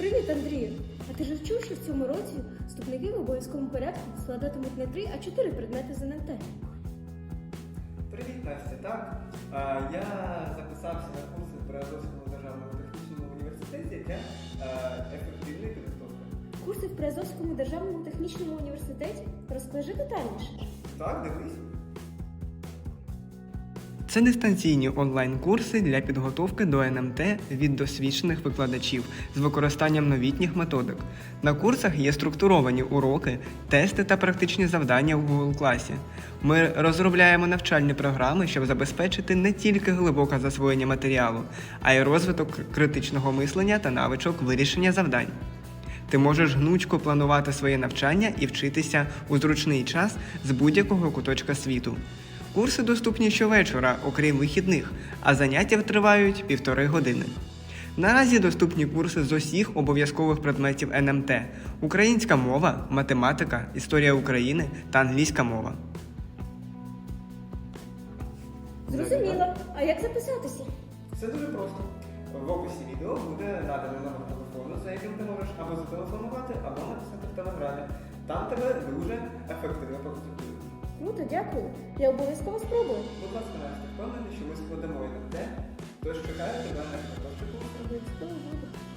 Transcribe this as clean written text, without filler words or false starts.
Привіт, Андрію! А ти ж чув, що в цьому році вступники в обов'язковому порядку складатимуть не 3, а 4 предмети з НМТ? Привіт, Настя. Так, я записався на курси при Азовському державному технічному університеті для ефективної підготовки. Курси в Приазовському державному технічному університеті? Розкажи детальніше. Так, дивись. Це дистанційні онлайн-курси для підготовки до НМТ від досвідчених викладачів з використанням новітніх методик. На курсах є структуровані уроки, тести та практичні завдання в Google класі. Ми розробляємо навчальні програми, щоб забезпечити не тільки глибоке засвоєння матеріалу, а й розвиток критичного мислення та навичок вирішення завдань. Ти можеш гнучко планувати своє навчання і вчитися у зручний час з будь-якого куточка світу. Курси доступні щовечора, окрім вихідних, а заняття тривають 1,5 години. Наразі доступні курси з усіх обов'язкових предметів НМТ – українська мова, математика, історія України та англійська мова. Зрозуміло. А як записатися? Все дуже просто. В описі відео буде надано номер телефону, за яким ти можеш або зателефонувати, або написати в телеграмі. Там тебе дуже ефективно проконсультують. Круто, дякую. Я обов'язково спробую. Будь ласка, Настя, впевнений, що ми складемо НМТ, тож чекаю тебе на найближчий курс. Обов'язково буду.